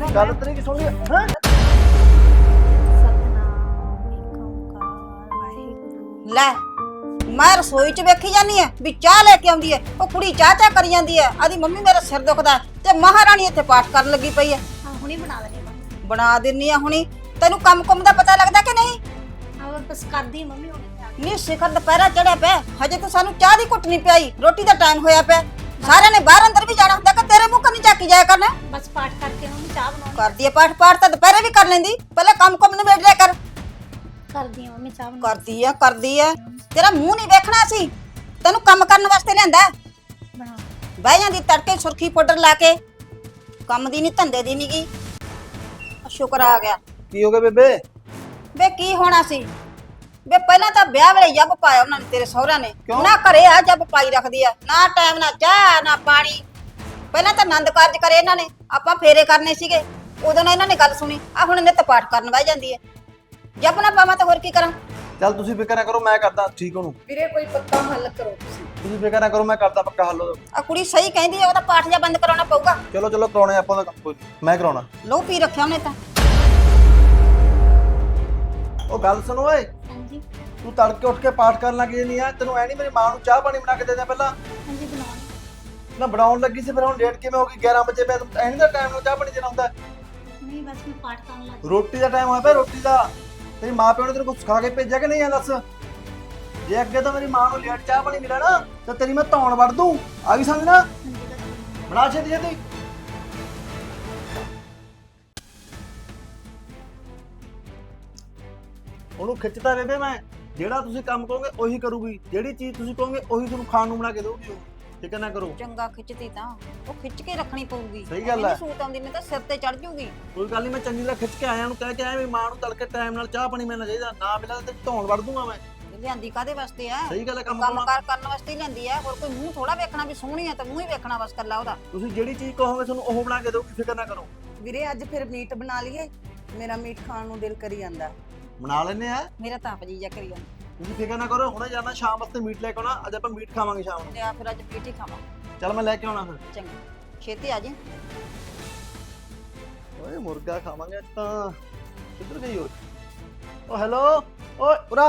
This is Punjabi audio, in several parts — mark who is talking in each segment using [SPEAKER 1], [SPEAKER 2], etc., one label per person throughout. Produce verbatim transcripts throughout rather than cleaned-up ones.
[SPEAKER 1] ਗੱਲ ਤੇਰੀ ਕੀ ਸੁਣ ਲਈ ਹੈ।
[SPEAKER 2] ਲੈ ਮੈਂ ਰਸੋਈ ਚ ਵੇਖੀ ਜਾਨੀ ਐ ਵੀ ਚਾਹ ਲੈ ਕੇ ਆਉਂਦੀ ਐ, ਉਹ ਕੁੜੀ ਚਾਹ ਚਾਹ ਕਰੀ ਜਾਂਦੀ ਐ, ਆਦੀ ਮੰਮੀ ਮੇਰਾ ਸਿਰ ਦੁਖਦਾ ਤੇ ਮਹਾਰਾਣੀ ਇੱਥੇ ਪਾਠ ਕਰਨ ਲੱਗੀ ਪਈ ਐ।
[SPEAKER 3] ਹਾਂ ਹੁਣੀ ਬਣਾ ਲੈਣੀ ਮੰਮੀ।
[SPEAKER 2] ਬਣਾ ਦਿੰਨੀ ਆ ਹੁਣੀ। ਤੈਨੂੰ ਕੰਮ ਕੁੰਮ ਦਾ ਪਤਾ ਲੱਗਦਾ ਕਿ ਨਹੀਂ?
[SPEAKER 3] ਹਾਂ ਬਸ ਕਰਦੀ ਮੰਮੀ ਹੁਣੀ।
[SPEAKER 2] ਨੀ ਸਿਖਰ ਦੁਪਹਿਰਾ ਚੜਿਆ ਪਿਆ, ਹਜੇ ਤਾਂ ਸਾਨੂੰ ਚਾਹ ਦੀ ਘੁੱਟ ਨਹੀਂ ਪਿਆਈ, ਰੋਟੀ ਦਾ ਟਾਈਮ ਹੋਇਆ ਪਿਆ। ਸਾਰਿਆਂ ਨੇ ਬਾਹਰ ਅੰਦਰ ਵੀ ਜਾਣਾ ਹੁੰਦਾ ਕਿ ਤੇਰੇ ਮੂੰਹ ਕੰਨੀ ਝਾਕੀ ਜਾਇਆ ਕਰਨਾ।
[SPEAKER 3] ਬਸ ਪਾਠ ਕਰਕੇ ਮੰਮੀ ਚਾਹ ਬਣਾਉਣੀ
[SPEAKER 2] ਕਰਦੀ ਐ ਪਾਠ, ਪਾਠ ਤਾਂ ਦੁਪਹਿਰੇ ਵੀ ਕਰ ਲੈਂਦੀ, ਪਹਿਲਾਂ ਕੰਮ ਕੁੰਮ ਨਿਬੇੜ ਲਿਆ ਕਰ।
[SPEAKER 3] ਕਰਦੀ ਆ ਮੰਮੀ ਚਾਹ ਬਣਾ।
[SPEAKER 2] ਕਰਦੀ ਐ ਕਰਦੀ ਐ, ਤੇਰਾ ਮੂੰਹ ਨਹੀਂ ਵੇਖਣਾ ਸੀ, ਤੈਨੂੰ ਕੰਮ ਕਰਨ ਵਾਸਤੇ ਲਿਆਂਦਾ।
[SPEAKER 3] ਬਣਾ
[SPEAKER 2] ਬਹਿ ਜਾਂਦੀ ਤੜਕੇ ਸੁਰਖੀ ਪਾਊਡਰ ਲਾ ਕੇ, ਕੰਮ ਦੀ ਨਹੀਂ ਧੰਦੇ ਦੀ ਨੀ ਗੀ। ਸ਼ੁਕਰ ਆ ਗਿਆ।
[SPEAKER 1] ਕੀ ਹੋ ਗਿਆ ਬੇਬੇ?
[SPEAKER 2] ਵੇ ਕੀ ਹੋਣਾ ਸੀ ਵੇ, ਪਹਿਲਾਂ ਤਾਂ ਵਿਆਹ ਵੇਲੇ ਜੱਬ ਪਾਇਆ ਉਹਨਾਂ ਨੇ ਤੇਰੇ ਸਹੁਰਿਆਂ ਨੇ।
[SPEAKER 1] ਕਿਉਂ?
[SPEAKER 2] ਨਾ ਘਰੇ ਆ ਜੱਬ ਪਾਈ ਰੱਖਦੀ ਆ, ਨਾ ਟਾਈਮ ਨਾ ਚਾਹ ਨਾ ਪਾਣੀ। ਪਹਿਲਾਂ ਤਾਂ ਆਨੰਦ ਕਾਰਜ ਕਰੇ ਇਹਨਾਂ ਨੇ, ਆਪਾਂ ਫੇਰੇ ਕਰਨੇ ਸੀਗੇ, ਉਦੋਂ ਨਾ ਇਹਨਾਂ ਨੇ ਗੱਲ ਸੁਣੀ। ਆ ਹੁਣ ਨਿੱਤ ਪਾਠ ਕਰਨ ਬਹਿ ਜਾਂਦੀ ਐ। ਜੱਬ ਨਾ ਪਾਵਾਂ ਤਾਂ ਹੋਰ ਕੀ ਕਰਾਂ?
[SPEAKER 1] ਚੱਲ ਤੁਸੀਂ ਫਿਕਰ ਨਾ ਕਰੋ, ਮੈਂ ਕਰਦਾ ਠੀਕ ਉਹਨੂੰ।
[SPEAKER 2] ਵੀਰੇ ਕੋਈ ਪੱਕਾ ਹੱਲ ਕਰੋ ਤੁਸੀਂ।
[SPEAKER 1] ਤੁਸੀਂ ਫਿਕਰ ਨਾ ਕਰੋ, ਮੈਂ ਕਰਦਾ ਪੱਕਾ ਹੱਲ ਉਹਦਾ।
[SPEAKER 2] ਆ ਕੁੜੀ ਸਹੀ ਕਹਿੰਦੀ ਐ, ਉਹਦਾ ਪਾਠ ਜਾਂ ਬੰਦ ਕਰਾਉਣਾ ਪਊਗਾ।
[SPEAKER 1] ਚਲੋ ਚਲੋ ਕਰਾਉਣੇ ਆਪਾਂ ਦਾ ਕੰਮ, ਕੋਈ ਨੀ, ਮੈਂ ਕਰਾਉਣਾ।
[SPEAKER 2] ਲੋ ਪੀ ਰੱਖਿਆ ਉਹਨੇ ਤਾਂ।
[SPEAKER 1] ਉਹ ਗੱਲ ਸੁਣੋ ਓਏ,
[SPEAKER 3] ਹਾਂਜੀ
[SPEAKER 1] ਤੂੰ ਤੜਕੇ ਉੱਠ ਕੇ ਪਾਠ ਕਰਨ ਲੱਗ ਜਾਂਦੀ ਆ, ਤੈਨੂੰ ਐ ਨਹੀਂ ਮੇਰੀ ਮਾਂ ਨੂੰ ਚਾਹ ਪਾਣੀ ਬਣਾ ਕੇ ਦੇ ਦਿਆਂ ਪਹਿਲਾਂ?
[SPEAKER 3] ਹਾਂਜੀ ਬਣਾਉਣੀ।
[SPEAKER 1] ਨਾ ਬਣਾਉਣ ਲੱਗੀ ਸੀ, ਫਿਰ ਹੁਣ ਡੇਟ ਕਿਵੇਂ ਹੋ ਗਈ? ਗਿਆਰਾਂ ਵਜੇ ਪਿਆ, ਐ ਨਹੀਂ ਦਾ ਟਾਈਮ ਨੂੰ ਚਾਹ ਪਾਣੀ ਦੇਣਾ ਹੁੰਦਾ।
[SPEAKER 3] ਨਹੀਂ ਬਸ ਮੈਂ ਪਾਠ ਕਰਨ ਲੱਗ
[SPEAKER 1] ਰੋਟੀ ਦਾ ਟਾਈਮ ਹੋਇਆ ਪਿਆ, ਰੋਟੀ ਦਾ। ਤੇਰੀ ਮਾਂ ਪਿਓ ਨੇ ਤੈਨੂੰ ਕੁਝ ਸਿਖਾ ਕੇ ਭੇਜਿਆ ਕਿ ਨਹੀਂ? ਆ ਦੱਸ। ਜੇ ਅੱਗੇ ਤੋਂ ਮੇਰੀ ਮਾਂ ਨੂੰ ਲੇਟ ਚਾਹ ਪਾਣੀ ਮਿਲਿਆ ਨਾ ਤਾਂ ਤੇਰੀ ਮੈਂ ਧੌਣ ਵੜ ਦੂੰ। ਆ ਗਈ ਸਮਝ ਨਾ?
[SPEAKER 3] ਹਾਂਜੀ ਬਸ
[SPEAKER 1] ਬਣਾ ਛੇਤੀ ਛੇਤੀ। ਉਹਨੂੰ ਖਿੱਚਦਾ ਬੇਬੇ ਮੈਂ, ਜਿਹੜਾ ਤੁਸੀਂ ਕੰਮ ਕਹੋਗੇ ਉਹੀ ਕਰੂਗੀ, ਜਿਹੜੀ ਚੀਜ਼ ਤੁਸੀਂ ਕਹੋਗੇ ਉਹੀ ਤੁਹਾਨੂੰ ਖਾਣ ਨੂੰ ਬਣਾ ਕੇ ਦੇਊਗੀ। ਉਹ ਠੀਕ ਨਾ ਕਰੋ।
[SPEAKER 2] ਚੰਗਾ ਖਿੱਚਦੀ ਤਾਂ ਉਹ ਖਿੱਚ ਕੇ ਰੱਖਣੀ ਪਊਗੀ।
[SPEAKER 1] ਸਹੀ ਗੱਲ ਐ।
[SPEAKER 2] ਸੂਤ ਆਉਂਦੀ ਨੇ ਤਾਂ ਸਿਰ ਤੇ ਚੜ ਜੂਗੀ।
[SPEAKER 1] ਕੋਈ ਗੱਲ ਨਹੀਂ, ਮੈਂ ਚੰਗੀ ਤਰ੍ਹਾਂ ਖਿੱਚ ਕੇ ਆਇਆ, ਉਹਨੂੰ ਕਹਿ ਕੇ ਆਇਆ ਵੀ ਮਾਂ ਨੂੰ ਤੜਕੇ ਟਾਈਮ ਨਾਲ ਚਾਹ ਪਾਣੀ ਮਿਲਣਾ ਚਾਹੀਦਾ, ਨਾ ਮਿਲਿਆ ਤੇ ਧੌਣ ਵੜ ਦੂੰਗਾ ਮੈਂ।
[SPEAKER 2] ਲਿਆਂਦੀ ਕਾਦੇ ਵਾਸਤੇ ਆ?
[SPEAKER 1] ਸਹੀ ਗੱਲ ਹੈ, ਕੰਮ
[SPEAKER 2] ਕੰਮ
[SPEAKER 1] ਕਰਾਉਣਾ।
[SPEAKER 2] ਕਾਰ ਕਰਨ ਵਾਸਤੇ ਹੀ ਲਿਆਂਦੀ ਆ, ਹੋਰ ਕੋਈ ਮੂੰਹ ਥੋੜਾ ਵੇਖਣਾ ਵੀ ਸੋਹਣੀ ਆ ਤਾਂ ਮੂੰਹ ਹੀ ਵੇਖਣਾ ਬਸ ਕੱਲਾ ਉਹਦਾ।
[SPEAKER 1] ਤੁਸੀਂ ਜਿਹੜੀ ਚੀਜ਼ ਕਹੋਗੇ ਤੁਹਾਨੂੰ ਉਹ ਬਣਾ ਕੇ ਦੇਊਗੀ, ਫਿਕਰ ਨਾ ਕਰੋ।
[SPEAKER 4] ਵੀਰੇ ਅੱਜ ਫਿਰ ਮੀਟ ਬਣਾ ਲਈਏ, ਮੇਰਾ ਮੀਟ ਖਾਣ ਨੂੰ ਦਿਲ ਕਰੀ ਜਾਂਦਾ।
[SPEAKER 1] ਬਣਾ ਲੈਨੇ ਆ,
[SPEAKER 2] ਮੇਰਾ ਤਾਂ ਆਪ ਜੀ ਜਾ ਕਰੀ ਜਾਂਦਾ।
[SPEAKER 1] ਤੁਸੀਂ ਫਿਕਰ ਨਾ ਕਰੋ। ਹੁਣੇ ਜਾਣਾ ਸ਼ਾਮ ਵਾਸਤੇ ਮੀਟ ਲੈ ਕੇ ਆਉਣਾ, ਅੱਜ ਆਪਾਂ ਮੀਟ ਖਾਵਾਂਗੇ ਸ਼ਾਮ ਨੂੰ।
[SPEAKER 2] ਤੇ ਆ ਫਿਰ ਅੱਜ ਪੀਟ ਹੀ ਖਾਵਾਂ।
[SPEAKER 1] ਚੱਲ ਮੈਂ ਲੈ ਕੇ ਆਉਣਾ ਫਿਰ।
[SPEAKER 2] ਚੰਗਾ ਛੇਤੀ ਆ ਜੀ।
[SPEAKER 1] ਓਏ ਮੁਰਗਾ ਖਾਵਾਂਗੇ ਅੱਜ ਤਾਂ। ਕਿੱਧਰ ਗਈ ਓਏ? ਓ ਹੈਲੋ, ਓਏ ਉਰਾ।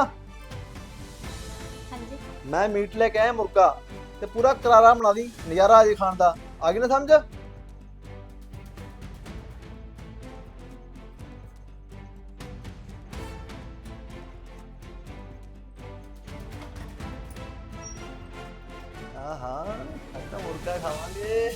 [SPEAKER 3] ਹਾਂਜੀ
[SPEAKER 1] ਮੈਂ ਮੀਟ ਲੈ ਕੇ ਆਇਆ ਮੁਰਗਾ, ਤੇ ਪੂਰਾ ਕਰਾਰਾ ਬਣਾ ਦੀ, ਨਜ਼ਾਰਾ ਆ ਜੇ ਖਾਣ ਦਾ। ਆ ਗਈ ਨਾ ਸਮਝ? ਆਹਾ ਅੱਜ ਤਾਂ ਮੁਰਗਾ ਖਾਵਾਂਗੇ।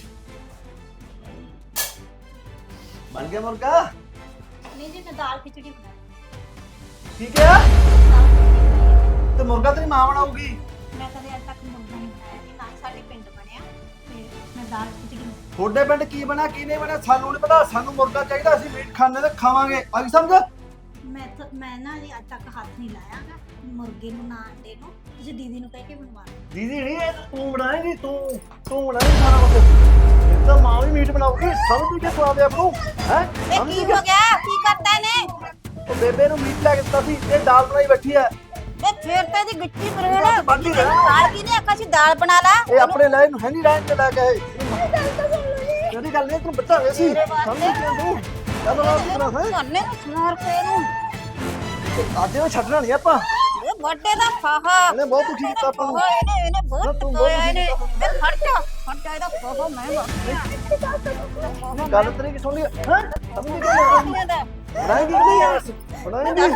[SPEAKER 1] ਬਣ ਗਿਆ ਮੁਰਗਾ?
[SPEAKER 3] ਨਹੀਂ ਜੀ ਮੈਂ ਦਾਲ ਖਿਚੜੀ ਬਣਾਈ।
[SPEAKER 1] ਠੀਕ ਹੈ।
[SPEAKER 3] ਦਾਲ ਖਿਚੜੀ ਬਣਾਈ।
[SPEAKER 1] ਤੇ ਮੁਰਗਾ ਤੇਰੀ ਮਾਂ ਬਣਾਉਗੀ?
[SPEAKER 3] ਮੈਂ ਕਦੇ ਅੱਜ ਤੱਕ ਮੁਰਗਾ ਨਹੀਂ ਬਣਾਇਆ ਜੀ, ਨਾ ਹੀ ਸਾਡੇ ਪਿੰਡ ਬਣਿਆ, ਤੇ ਮੈਂ ਦਾਲ ਖਿਚੜੀ ਬਣਾਈ।
[SPEAKER 1] ਤੁਹਾਡੇ ਪਿੰਡ ਕੀ ਬਣਿਆ ਕੀ ਨਹੀਂ ਬਣਿਆ ਸਾਨੂੰ ਨਹੀਂ ਪਤਾ, ਸਾਨੂੰ ਮੁਰਗਾ ਚਾਹੀਦਾ, ਅਸੀਂ ਮੀਟ ਖਾਣੇ ਤੇ ਖਾਵਾਂਗੇ। ਆ ਗਈ ਸਮਝ?
[SPEAKER 3] ਮੈਂ ਤਾਂ ਮੈਂ ਨਾ ਜੀ ਅੱਜ ਤੱਕ ਹੱਥ ਨਹੀਂ ਲਾਇਆ ਗਾ ਮੁਰਗੇ ਨੂੰ, ਨਾ ਅੰਡੇ ਨੂੰ। ਤੁਸੀਂ ਦੀਦੀ ਨੂੰ ਕਹਿ ਕੇ ਬਣਵਾ ਲਓ।
[SPEAKER 1] ਦੀਦੀ ਨਹੀਂ, ਇਹ ਤਾਂ ਤੂੰ ਬਣਾਏਂਗੀ, ਤੂੰ ਤੂੰ ਬਣਾਏਂਗੀ ਸਾਰਾ ਕੁਝ। ਇਹ ਤਾਂ ਮਾਂ ਵੀ ਮੀਟ ਬਣਾਉਗੀ, ਸਮਝ ਕੇ ਸਵਾਦ ਆਪ ਨੂੰ ਹੈ।
[SPEAKER 2] ਵੇ ਕੀ ਹੋ ਗਿਆ? ਕੀ ਕਰਦਾ ਇਹਨੇ?
[SPEAKER 1] ਉਹ ਬੇਬੇ ਨੂੰ ਮੀਟ ਲੈ ਕੇ ਦਿੱਤਾ ਸੀ, ਇਹ ਦਾਲ ਬਣਾਈ ਬੈਠੀ ਹੈ।
[SPEAKER 2] ਵੇ ਫੇਰ ਤਾਂ ਇਹਦੀ ਗਿੱਟੀ
[SPEAKER 1] ਇਹ
[SPEAKER 2] ਮਰੋੜ।
[SPEAKER 1] ਤਾਂ ਵੱਢ ਹੀ ਦੇਣਾ।
[SPEAKER 2] ਦਾਲ ਕੀ ਨੇ ਆਖਾ ਸੀ ਦਾਲ ਬਣਾ ਲਾ।
[SPEAKER 1] ਇਹ ਆਪਣੇ ਲੈ ਨੂੰ ਹੈ ਨਹੀਂ ਰਹਿਣ ਤੇ ਲੈ ਕੇ ਆਏ। ਜਿਹੜੀ ਗੱਲ ਨਹੀਂ ਤੈਨੂੰ ਬੱਚਾ ਹੋਇਆ ਸੀ, ਸਮਝ ਕਿਉਂ ਤੂੰ? ਚੱਲ ਨਾ ਕਿਤਨਾ ਹੈ
[SPEAKER 2] ਧੰਨੇ ਨੂੰ ਸਮਾਰ ਕੇ ਇਹਨੂੰ।
[SPEAKER 1] ਅੱਜ ਇਹ ਛੱਡਣਾ ਨਹੀਂ ਆਪਾਂ।
[SPEAKER 2] ਇਹ ਵੱਡੇ ਦਾ ਫਾਹਾ।
[SPEAKER 1] ਇਹਨੇ ਬਹੁਤ ਦੁਖੀ ਕੀਤਾ ਆਪਾਂ ਨੂੰ।
[SPEAKER 2] ਫਾਹਾ ਇਹਨੇ ਇਹਨੇ
[SPEAKER 1] ਨਾ
[SPEAKER 2] ਬਹੁਤ
[SPEAKER 1] ਤੂੰ ਬਹੁਤ
[SPEAKER 2] ਟੋਇਆ ਇਹਨੇ।
[SPEAKER 1] ਦੁਖੀ
[SPEAKER 2] ਵੇ ਖੜ ਜਾ ਖੜ ਜਾ, ਇਹਦਾ ਫਾਹਾ ਮੈਂ ਵਾਕਿਆ।
[SPEAKER 1] ਗੱਲ ਤੇਰੀ ਕੀ ਸੁਣ ਲਈ ਹੈ? ਸਮਝ ਨਹੀਂ ਕਿਉਂ? ਬਣਾਏਂਗੀ ਕਿ ਨਹੀਂ ਯਾਰ? ਬਣਾਏਂਗੀ?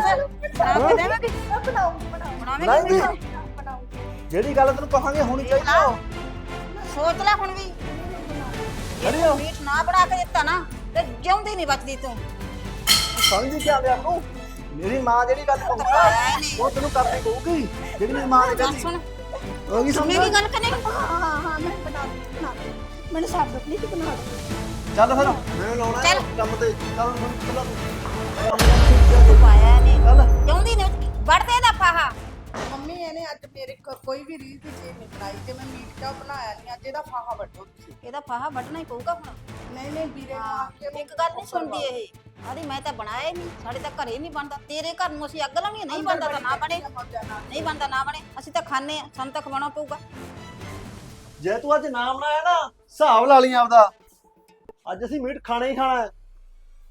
[SPEAKER 1] ਬਣਾਏਂਗੀ? ਜਿਹੜੀ ਗੱਲ ਤੈਨੂੰ ਕਹਾਂਗੇ ਹੋਣੀ ਚਾਹੀਦੀ ਆ।
[SPEAKER 2] ਸੋਚ ਲੈ ਹੁਣ ਵੀ।
[SPEAKER 1] ਅਰੇ ਉਹ
[SPEAKER 2] ਮੀਟ ਨਾ ਬਣਾ ਕੇ ਦਿੱਤਾ ਨਾ ਤੇ ਜਿਉਂਦੀ ਨਹੀਂ ਬਚਦੀ ਤੂੰ।
[SPEAKER 1] ਸਮਝੀ ਕੀ ਆਂਦੇ ਆਪ ਨੂੰ? ਮੇਰੀ ਮਾਂ ਜਿਹੜੀ ਗੱਲ ਕਹੂਗੀ ਉਹ ਤੈਨੂੰ ਕਰਨੀ ਪਊਗੀ, ਜਿਹੜੀ ਮੇਰੀ ਮਾਂ ਨੇ
[SPEAKER 2] ਗੱਲ
[SPEAKER 1] ਕਹੀ।
[SPEAKER 2] ਸੁਣ,
[SPEAKER 1] ਉਹ ਕੀ ਸਮਝ?
[SPEAKER 2] ਮੇਰੀ ਗੱਲ ਕਰਨੀ।
[SPEAKER 3] ਹਾਂ ਹਾਂ ਮੈਂ ਬਣਾ ਦੂੰ ਬਣਾ ਦੂੰ ਮੈਨੂੰ ਸਾਬ ਦੋ ਪਲੀਜ਼ ਬਣਾ ਦੋ।
[SPEAKER 1] ਚੱਲ ਫਿਰ ਮੈਂ ਲਾਉਣਾ ਹੈ
[SPEAKER 2] ਚੱਲ।
[SPEAKER 1] ਕੰਮ ਤੇ। ਚੱਲ ਹੁਣ ਚੱਲ ਤੂੰ।
[SPEAKER 2] ਪਾਇਆ ਨੇ
[SPEAKER 1] ਚੱਲ
[SPEAKER 2] ਜਿਉਂਦੀ ਨਹੀਂ ਵੜਦੇ ਦਾ ਫਾਹਾ।
[SPEAKER 4] ਮੰਮੀ ਇਹਨੇ ਅੱਜ ਮੇਰੇ ਘਰ ਕੋਈ ਵੀ ਰੀਤ ਦੀ ਚੀਜ਼ ਨਹੀਂ ਬਣਾਈ ਤੇ ਮੈਂ ਮੀਟ ਕਿਉਂ ਬਣਾਇਆ ਨਹੀਂ? ਅੱਜ ਇਹਦਾ ਫਾਹਾ ਵੱਢੋ ਤੁਸੀਂ।
[SPEAKER 2] ਇਹਦਾ ਫਾਹਾ ਵੱਢਣਾ ਹੀ ਪਊਗਾ ਹੁਣ।
[SPEAKER 4] ਨਹੀਂ ਨਹੀਂ ਵੀਰੇ ਨੂੰ ਆ ਕੇ
[SPEAKER 2] ਇੱਕ ਗੱਲ ਨਹੀਂ ਸੁਣਦੀ ਇਹ। ਆਦੀ ਮੈਂ ਤਾਂ ਬਣਾਇਆ ਹੀ ਨਹੀਂ, ਸਾਡੇ ਤਾਂ ਘਰੇ ਨਹੀਂ ਬਣਦਾ। ਤੇਰੇ ਘਰ ਨੂੰ ਅਸੀਂ ਅੱਗ ਲਾਉਣੀ ਨਹੀਂ ਬਣਦਾ ਤਾਂ ਨਾ ਬਣੇ, ਨਹੀਂ ਬਣਦਾ ਨਾ ਬਣੇ। ਅਸੀਂ ਤਾਂ ਖਾਣੇ ਆ, ਸਾਨੂੰ ਤਾਂ ਖਵਾਉਣਾ ਪਊਗਾ।
[SPEAKER 1] ਜੇ ਤੂੰ ਅੱਜ ਨਾ ਬਣਾਇਆ ਨਾ, ਹਿਸਾਬ ਲਾ ਲਈ ਆਪਦਾ। ਅੱਜ ਅਸੀਂ ਮੀਟ ਖਾਣਾ ਹੀ ਖਾਣਾ ਹੈ।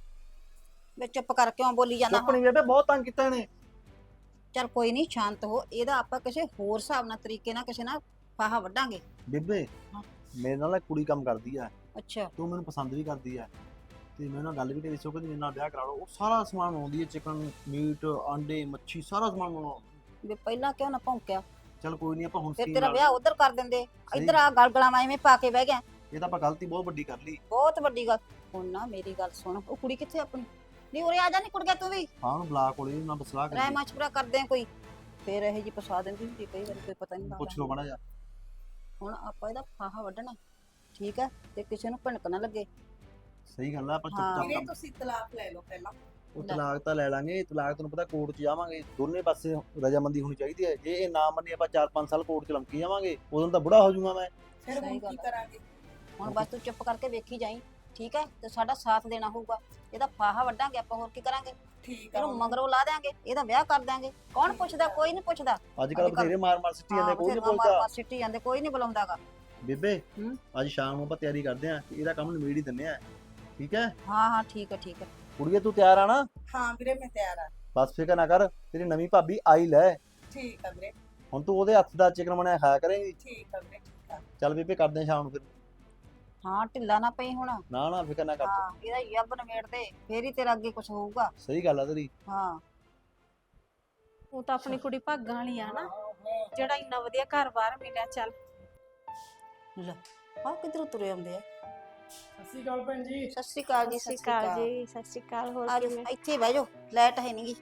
[SPEAKER 2] ਵੇ ਚੁੱਪ ਕਰ ਕਿਉਂ ਬੋਲੀ ਜਾਂਦਾ
[SPEAKER 1] ਚੁੱਪ ਨਹੀਂ ਬੇਬੇ, ਬਹੁਤ ਤੰਗ ਕੀਤਾ ਇਹਨੇ।
[SPEAKER 2] ਚੱਲ ਕੋਈ ਨਹੀਂ, ਸ਼ਾਂਤ ਹੋ। ਇਹਦਾ ਆਪਾਂ ਕਿਸੇ ਹੋਰ ਹਿਸਾਬ ਨਾਲ ਤਰੀਕੇ ਨਾਲ ਕਿਸੇ ਨਾਲ ਫਾਹਾ ਵੱਢਾਂਗੇ।
[SPEAKER 1] ਬੇਬੇ
[SPEAKER 2] ਹਾਂ।
[SPEAKER 1] ਮੇਰੇ ਨਾਲ ਇੱਕ ਕੁੜੀ ਕੰਮ ਕਰਦੀ ਆ,
[SPEAKER 2] ਅੱਛਾ
[SPEAKER 1] ਤੂੰ ਮੈਨੂੰ ਪਸੰਦ ਵੀ ਕਰਦੀ ਆ, ਤੇ ਮੈਂ ਉਹਨਾਂ ਗੱਲ ਵੀ ਕਰੀ ਸੋ ਕਿ ਮੇਰੇ ਨਾਲ ਵਿਆਹ ਕਰਾ ਲਓ। ਉਹ ਸਾਰਾ ਸਮਾਨ ਬਣਾਉਂਦੀ ਹੈ, ਚਿਕਨ, ਮੀਟ, ਆਂਡੇ, ਮੱਛੀ, ਸਾਰਾ ਸਮਾਨ ਬਣਾਉਂਦੀ।
[SPEAKER 2] ਵੇ ਪਹਿਲਾਂ ਕਿਉਂ ਨਾ ਭੌਂਕਿਆ?
[SPEAKER 1] ਚੱਲ ਕੋਈ ਨਹੀਂ, ਆਪਾਂ ਹੁਣ
[SPEAKER 2] ਫਿਰ
[SPEAKER 1] scheme
[SPEAKER 2] ਤੇਰਾ
[SPEAKER 1] ਨਾਲ-
[SPEAKER 2] ਵਿਆਹ ਉਧਰ ਕਰ ਦਿੰਦੇ, ਇੱਧਰ ਆ ਗਲਗਲਾਂ ਐਵੇਂ ਪਾ ਕੇ ਬਹਿ ਗਿਆ।
[SPEAKER 1] ਇਹ ਤਾਂ ਆਪਾਂ ਗਲਤੀ ਬਹੁਤ ਵੱਡੀ ਕਰ ਲਈ।
[SPEAKER 2] ਬਹੁਤ ਵੱਡੀ ਗੱਲ। ਹੁਣ ਨਾ ਮੇਰੀ ਗੱਲ ਸੁਣ, ਉਹ ਕੁੜੀ ਕਿੱਥੇ ਆਪਣੀ? ਨਹੀਂ ਉਰੇ ਆ ਜਾ, ਨਹੀਂ ਕੁੜੀਆ ਤੂੰ ਵੀ
[SPEAKER 1] ਹਾਂ ਉਹਨੂੰ ਬੁਲਾ ਕੋਲੇ ਨਾ ਬਸਲਾ
[SPEAKER 2] ਰਾਇ
[SPEAKER 1] ਕੇ
[SPEAKER 2] ਮਸ਼ਵਰਾ ਕਰਦੇ ਆ ਕੋਈ, ਫੇਰ ਇਹ ਜੀ ਫਸਾ ਦਿੰਦੀ ਹੁੰਦੀ ਕਈ ਵਾਰੀ, ਕੋਈ ਪਤਾ ਨਹੀਂ
[SPEAKER 1] ਪੁੱਛ ਲਓ ਮਾੜਾ ਜਿਹਾ।
[SPEAKER 2] ਹੁਣ ਆਪਾਂ ਇਹਦਾ ਫਾਹਾ ਵੱਢਣਾ, ਠੀਕ ਹੈ, ਤੇ ਕਿਸੇ ਨੂੰ ਭਿਣਕ ਨਾ ਲੱਗੇ।
[SPEAKER 1] ਸਹੀ ਗੱਲ ਆ, ਆਪਾਂ
[SPEAKER 2] ਹਾਂ।
[SPEAKER 1] ਚੁੱਪ
[SPEAKER 4] ਵੀਰੇ
[SPEAKER 1] ਚਾਪ
[SPEAKER 4] ਤੁਸੀਂ ਤਲਾਕ ਲੈ ਲਓ ਪਹਿਲਾਂ।
[SPEAKER 1] ਉਹ ਤਲਾਕ ਤਾਂ ਲੈ ਲਾਂਗੇ। ਤਲਾਕ ਤੈਨੂੰ ਪਤਾ ਕੋਰਟ 'ਚ ਜਾਵਾਂਗੇ, ਦੋਨੇ ਪਾਸੇ ਰਜਾਮੰਦੀ ਹੋਣੀ ਚਾਹੀਦੀ ਹੈ। ਜੇ ਇਹ ਨਾ ਮੰਨੇ ਆਪਾਂ ਚਾਰ ਪੰਜ ਸਾਲ ਕੋਰਟ 'ਚ ਲੰਕੀ ਜਾਵਾਂਗੇ, ਉਦੋਂ ਤਾਂ ਬੁੜਾ ਹੋ ਜਾਊਗਾ ਮੈਂ।
[SPEAKER 4] ਫਿਰ
[SPEAKER 2] ਸਹੀ
[SPEAKER 4] ਹੁਣ
[SPEAKER 2] ਗੱਲ
[SPEAKER 4] ਕੀ
[SPEAKER 2] ਆ।
[SPEAKER 4] ਕਰਾਂਗੇ?
[SPEAKER 2] ਹੁਣ ਬਸ ਤੂੰ ਚੁੱਪ ਕਰਕੇ ਵੇਖੀ ਜਾਈ, ਠੀਕ ਹੈ, ਤੇ ਸਾਡਾ ਸਾਥ ਦੇਣਾ ਹੋਊਗਾ। ਇਹਦਾ ਫਾਹਾ ਵੱਢਾਂਗੇ ਆਪਾਂ, ਹੋਰ ਕੀ ਕਰਾਂਗੇ?
[SPEAKER 4] ਠੀਕ ਆ
[SPEAKER 2] ਇਹਨੂੰ ਮਗਰੋਂ ਲਾ ਦਿਆਂਗੇ, ਇਹਦਾ ਵਿਆਹ ਕਰ ਦਿਆਂਗੇ। ਕੌਣ ਪੁੱਛਦਾ? ਕੋਈ ਨਹੀਂ ਪੁੱਛਦਾ।
[SPEAKER 1] ਅੱਜ ਕੱਲ ਬਥੇਰੇ ਮਾਰ ਮਾਰ ਸਿੱਟੀ ਜਾਂਦੇ, ਕੋਈ ਨਹੀਂ
[SPEAKER 2] ਮਾਰ
[SPEAKER 1] ਪੁੱਛਦਾ।
[SPEAKER 2] ਮਾਰ ਸਿੱਟੀ ਜਾਂਦੇ, ਕੋਈ ਨਹੀਂ ਬੁਲਾਉਂਦਾਗਾ।
[SPEAKER 1] ਬੇਬੇ
[SPEAKER 2] ਹੂੰ?
[SPEAKER 1] ਅੱਜ ਸ਼ਾਮ ਨੂੰ ਆਪਾਂ ਤਿਆਰੀ ਕਰਦੇ ਆਂ, ਇਹਦਾ ਕੰਮ ਨਿਬੇੜ ਹੀ ਦਿੰਨੇ ਆ, ਠੀਕ ਹੈ?
[SPEAKER 2] ਹਾਂ ਹਾਂ ਠੀਕ ਹੈ ਠੀਕ ਹੈ।
[SPEAKER 1] ਕੁੜੀਏ ਤੂੰ ਤਿਆਰ ਆ ਨਾ?
[SPEAKER 4] ਹਾਂ ਵੀਰੇ ਮੈਂ ਤਿਆਰ ਆ।
[SPEAKER 1] ਬਸ ਫਿਕਰ ਨਾ ਕਰ, ਤੇਰੀ ਨਵੀਂ ਭਾਬੀ ਆਈ ਲੈ।
[SPEAKER 4] ਠੀਕ ਆ ਵੀਰੇ,
[SPEAKER 1] ਹੁਣ ਤੂੰ ਉਹਦੇ ਹੱਥ ਦਾ ਚਿਕਨ ਬਣਾਇਆ ਖਾਇਆ ਕਰੇਂਗੀ।
[SPEAKER 4] ਠੀਕ ਆ ਵੀਰੇ, ਠੀਕ ਆ।
[SPEAKER 1] ਚੱਲ ਬੇਬੇ ਕਰਦੇ ਆਂ ਸ਼ਾਮ ਨੂੰ ਫਿਰ।
[SPEAKER 2] ਹਾਂ ਢਿੱਲਾ ਨਾ ਪਈ ਹੁਣ।
[SPEAKER 1] ਨਾ ਨਾ ਫਿਕਰ ਨਾ ਕਰ ਤੂੰ।
[SPEAKER 2] ਹਾਂ ਇਹਦਾ ਯੱਬ ਨਵੇੜ ਦੇ, ਫੇਰ ਹੀ ਤੇਰਾ ਅੱਗੇ ਕੁਝ ਹੋਊਗਾ।
[SPEAKER 1] ਸਹੀ ਗੱਲ ਆ ਤੇਰੀ।
[SPEAKER 2] ਹਾਂ
[SPEAKER 5] ਉਹ ਤਾਂ ਆਪਣੀ ਕੁੜੀ ਭਾਗਾਂ ਵਾਲੀ ਆ ਨਾ, ਜਿਹੜਾ ਇੰਨਾ ਵਧੀਆ ਘਰ-ਬਾਰ ਮਿਲਿਆ। ਚੱਲ
[SPEAKER 2] ਲੈ ਆ ਕਿਧਰੋਂ ਤੁਰੇ ਆਉਂਦੇ ਆ?
[SPEAKER 6] ਸਤਿ ਸ਼੍ਰੀ ਅਕਾਲ ਭੈਣ ਜੀ।
[SPEAKER 2] ਸਤਿ ਸ਼੍ਰੀ ਅਕਾਲ ਜੀ।
[SPEAKER 5] ਸਤਿ ਸ਼੍ਰੀ ਅਕਾਲ ਜੀ। ਸਤਿ ਸ਼੍ਰੀ ਅਕਾਲ। ਹੋਰ
[SPEAKER 2] ਆ ਜਾਓ,
[SPEAKER 5] ਕਿਵੇਂ?
[SPEAKER 2] ਇੱਥੇ ਬਹਿ ਜਾਓ, ਲਾਈਟ ਹੈ ਨਹੀਂਗੀ।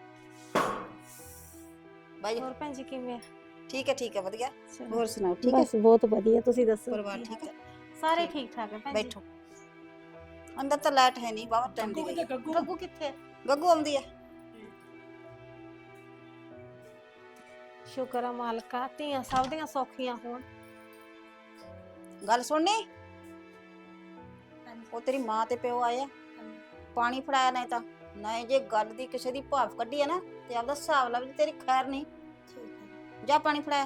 [SPEAKER 2] ਬਹਿ ਜਾਓ।
[SPEAKER 5] ਹੋਰ ਭੈਣ ਜੀ ਕਿਵੇਂ ਆ?
[SPEAKER 2] ਠੀਕ ਹੈ ਠੀਕ ਹੈ, ਵਧੀਆ।
[SPEAKER 5] ਚਲੋ।
[SPEAKER 2] ਹੋਰ ਸੁਣਾਓ, ਠੀਕ ਹੈ?
[SPEAKER 5] ਬਸ ਬਹੁਤ ਵਧੀਆ, ਤੁਸੀਂ ਦੱਸੋ?
[SPEAKER 2] ਪਰਿਵਾਰ ਠੀਕ ਹੈ?
[SPEAKER 5] ਸਾਰੇ ਠੀਕ ਠਾਕ ਹੈ ਭੈਣ ਜੀ।
[SPEAKER 2] ਬੈਠੋ। ਅੰਦਰ ਤਾਂ ਲਾਈਟ ਹੈ ਨਹੀਂ, ਬਾਹਰ ਟਾਈਮ ਦੀ
[SPEAKER 6] ਗੱਗੂ
[SPEAKER 2] ਗਈ।
[SPEAKER 6] ਕਿੱਥੇ? ਗੱਗੂ
[SPEAKER 5] ਗੱਗੂ ਕਿੱਥੇ ਹੈ?
[SPEAKER 2] ਗੱਗੂ ਆਉਂਦੀ ਹੈ।
[SPEAKER 5] ਸ਼ੁਕਰ ਆ ਮਾਲਕਾ, ਧੀਆਂ ਸਭ ਦੀਆਂ ਸੌਖੀਆਂ ਹੋਣ।
[SPEAKER 2] ਗੱਲ ਸੁਣਨੀ, ਉਹ ਤੇਰੀ ਮਾਂ ਤੇ ਪਿਓ ਆਏ ਆ, ਪਾਣੀ ਫੜਾਇਆ ਨਹੀਂ ਤਾਂ ਨਹੀਂ। ਜੇ ਗੱਲ ਦੀ ਕਿਸੇ ਦੀ ਭਾਫ ਕੱਢੀ ਹੈ ਨਾ, ਤੇ ਆਪਦਾ ਹਿਸਾਬ ਲਾ ਵੀ ਤੇਰੀ ਖੈਰ ਨਹੀਂ। ਜਾ ਪਾਣੀ ਫੜਾਇਆ।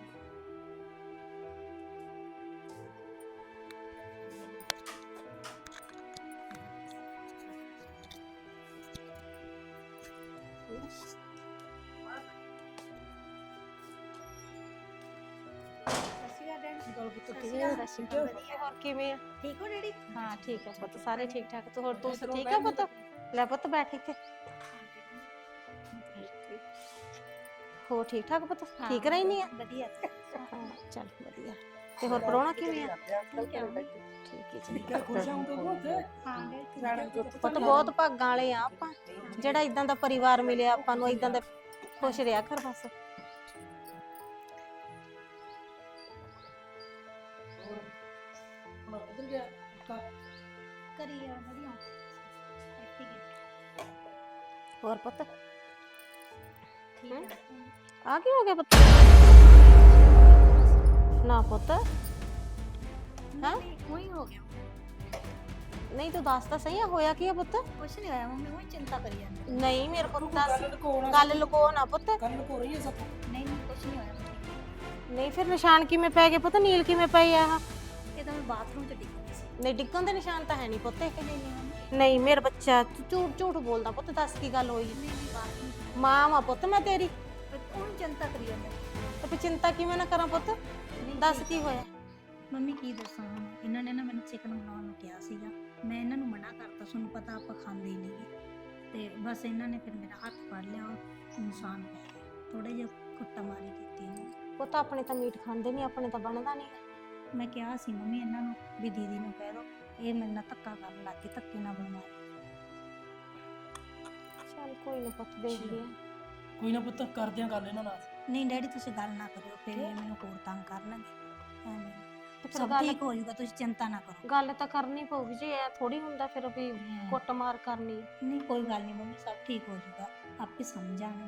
[SPEAKER 5] ਸਤਿ ਸ਼੍ਰੀ ਅਕਾਲ। ਹੋਰ ਕਿਵੇਂ ਆ?
[SPEAKER 3] ਠੀਕ ਹੋ ਡੈਡੀ?
[SPEAKER 5] ਹਾਂ ਠੀਕ ਹੈ ਪੁੱਤ, ਸਾਰੇ ਠੀਕ ਠਾਕ। ਤੂੰ ਹੋਰ ਤੂੰ ਠੀਕ ਹੈ ਪੁੱਤ? ਲੈ ਪੁੱਤ ਬੈਠ ਇੱਥੇ। ਹੋ ਠੀਕ ਠਾਕ ਪੁੱਤ? ਠੀਕ ਰਹਿਨੀ ਆ?
[SPEAKER 3] ਵਧੀਆ।
[SPEAKER 5] ਹਾਂ ਚੱਲ ਵਧੀਆ। ਤੇ ਹੋਰ ਪ੍ਰਾਹੁਣਾ ਕਿਵੇਂ ਆ? ਠੀਕ ਹੈ ਜੀ।
[SPEAKER 6] ਕਿਆ ਖੁਸ਼ ਹਾਂ ਗੱਗੂ ਉੱਥੇ?
[SPEAKER 3] ਹਾਂ ਡੈਡੀ।
[SPEAKER 5] ਪੁੱਤ ਬਹੁਤ ਭਾਗਾਂ ਵਾਲੇ ਆ ਆਪਾਂ, ਜਿਹੜਾ ਇਦਾਂ ਦਾ ਪਰਿਵਾਰ ਮਿਲਿਆ ਆਪਾਂ ਨੂੰ। ਇਦਾਂ ਦਾ ਖੁਸ਼ ਰਿਹਾ ਕਰ ਬਸ।
[SPEAKER 6] ਹੁਣ ਕਿੱਧਰ ਗਿਆ?
[SPEAKER 3] ਕਰੀ ਆ ਵਧੀਆ। ਠੀਕ ਹੈ।
[SPEAKER 5] ਹੋਰ ਪੁੱਤ
[SPEAKER 3] ਠੀਕ ਹੈ।
[SPEAKER 5] ਆ ਕੀ ਹੋ ਗਿਆ ਪੁੱਤ? ਨਾ ਪੁੱਤ,
[SPEAKER 3] ਨਹੀਂ ਕੋਈ ਹੋ ਗਿਆ।
[SPEAKER 5] ਨਹੀਂ ਤੂੰ ਦੱਸ ਤਾਂ ਸਹੀ ਆ, ਹੋਇਆ ਕੀ ਆ ਪੁੱਤ?
[SPEAKER 3] ਕੁਛ ਨਹੀਂ ਹੋਇਆ ਮੰਮੀ, ਉਹ ਚਿੰਤਾ ਕਰੀ ਜਾਂਦੀ।
[SPEAKER 5] ਨਹੀਂ ਮੇਰੇ ਪੁੱਤ ਦੱਸ,
[SPEAKER 6] ਗੱਲ ਲੁਕੋਣਾ
[SPEAKER 5] ਗੱਲ ਲੁਕੋ ਨਾ ਪੁੱਤ।
[SPEAKER 6] ਗੱਲ ਲੁਕੋ ਰਹੀ ਹੈ ਸਭ।
[SPEAKER 3] ਨਹੀਂ ਨਹੀਂ ਕੁਛ ਨਹੀਂ ਹੋਇਆ।
[SPEAKER 5] ਨਹੀਂ ਫਿਰ ਨਿਸ਼ਾਨ ਕਿਵੇਂ ਪੈ ਗਏ ਪੁੱਤ? ਨੀਲ ਕਿਵੇਂ ਪਈ ਆ ਆਹ?
[SPEAKER 3] ਇਹ ਤਾਂ ਮੈਂ ਬਾਥਰੂਮ ਚ ਡਿੱਗ ਗਈ ਸੀ।
[SPEAKER 5] ਨਹੀਂ ਡਿੱਗਣ ਦੇ ਨਿਸ਼ਾਨ ਤਾਂ ਹੈ ਨਹੀਂ ਪੁੱਤ ਇਹ।
[SPEAKER 3] ਨਹੀਂ ਨਹੀਂ ਮੰਮੀ,
[SPEAKER 5] ਨਹੀਂ ਮੇਰਾ ਬੱਚਾ, ਤੂੰ ਝੂਠ ਝੂਠ ਬੋਲਦਾ ਪੁੱਤ। ਦੱਸ ਕੀ ਗੱਲ ਹੋਈ?
[SPEAKER 3] ਨਹੀਂ ਨਹੀਂ ਬਾਥਰੂਮ ਚ।
[SPEAKER 5] ਮਾਂ ਵਾ ਪੁੱਤ ਮੈਂ ਤੇਰੀ,
[SPEAKER 3] ਉਹ ਚਿੰਤਾ ਕਰੀ ਜਾਂਦਾ।
[SPEAKER 5] ਤੇ ਫਿਰ ਚਿੰਤਾ ਕਿਵੇਂ ਨਾ ਕਰਾਂ ਪੁੱਤ? ਦੱਸ ਕੀ ਹੋਇਆ?
[SPEAKER 3] ਮੰਮੀ ਕੀ ਦੱਸਾਂ ਹੁਣ, ਇਹਨਾਂ ਨੇ ਨਾ ਮੈਨੂੰ ਚਿਕਨ ਬਣਾਉਣ ਨੂੰ ਕਿਹਾ ਸੀਗਾ। ਮੈਂ ਇਹਨਾਂ ਨੂੰ ਮਨਾ ਕਰਤਾ, ਤੁਹਾਨੂੰ ਪਤਾ ਆਪਾਂ ਖਾਂਦੇ ਹੀ ਨਹੀਂਗੇ। ਤੇ ਬਸ ਇਹਨਾਂ ਨੇ ਫਿਰ ਮੇਰਾ ਹੱਥ ਫੜ ਲਿਆ, ਉਹ ਇਨਸਾਨ ਪੈ ਗਿਆ। ਥੋੜੇ ਜਿਹਾ ਕੁੱਟਾ ਮਾਰੀ ਕੀਤੀ ਇਹਨੂੰ।
[SPEAKER 5] ਪੁੱਤ ਆਪਣੇ ਤਾਂ ਮੀਟ ਖਾਂਦੇ ਨਹੀਂ, ਆਪਣੇ ਤਾਂ ਬਣਦਾ ਨਹੀਂ।
[SPEAKER 3] ਮੈਂ ਕਿਹਾ ਸੀ ਮੰਮੀ ਇਹਨਾਂ ਨੂੰ ਵੀ ਦੀਦੀ ਨੂੰ ਕਹਿ ਦੋ, ਇਹ ਮੇਰੇ ਨਾਲ ਧੱਕਾ ਕਰਨ ਲੱਗ ਗਈ, ਧੱਕੇ ਨਾਲ ਬਣਵਾਇਆ।
[SPEAKER 5] ਚੱਲ ਕੋਈ ਨਾ ਪੁੱਤ, ਦੇਖਦੇ ਆ।
[SPEAKER 6] ਕੋਈ ਨਾ ਪੁੱਤ, ਕਰਦੇ ਆ ਗੱਲ ਇਹਨਾਂ ਨਾਲ।
[SPEAKER 3] ਨਹੀਂ ਡੈਡੀ ਤੁਸੀਂ ਗੱਲ ਨਾ ਕਰਿਓ, ਫਿਰ ਇਹ ਮੈਨੂੰ ਹੋਰ ਤੰਗ ਕਰਨਗੇ। ਐਵੇਂ
[SPEAKER 5] ਤੇ ਫਿਰ
[SPEAKER 3] ਸਭ
[SPEAKER 5] ਗੱਲ
[SPEAKER 3] ਠੀਕ ਹੋ ਜਾਊਗਾ, ਤੁਸੀਂ ਚਿੰਤਾ ਨਾ ਕਰੋ।
[SPEAKER 5] ਗੱਲ ਤਾਂ ਕਰਨੀ ਪਊਗੀ ਜੀ, ਇਹ ਥੋੜੀ ਹੁੰਦਾ ਫਿਰ ਵੀ ਕੁੱਟਮਾਰ ਕਰਨੀ।
[SPEAKER 3] ਨਹੀਂ ਕੋਈ ਗੱਲ ਨਹੀਂ ਮੰਮੀ, ਸਭ ਠੀਕ ਹੋ ਜਾਊਗਾ, ਆਪੇ ਸਮਝ ਆਣਗੇ।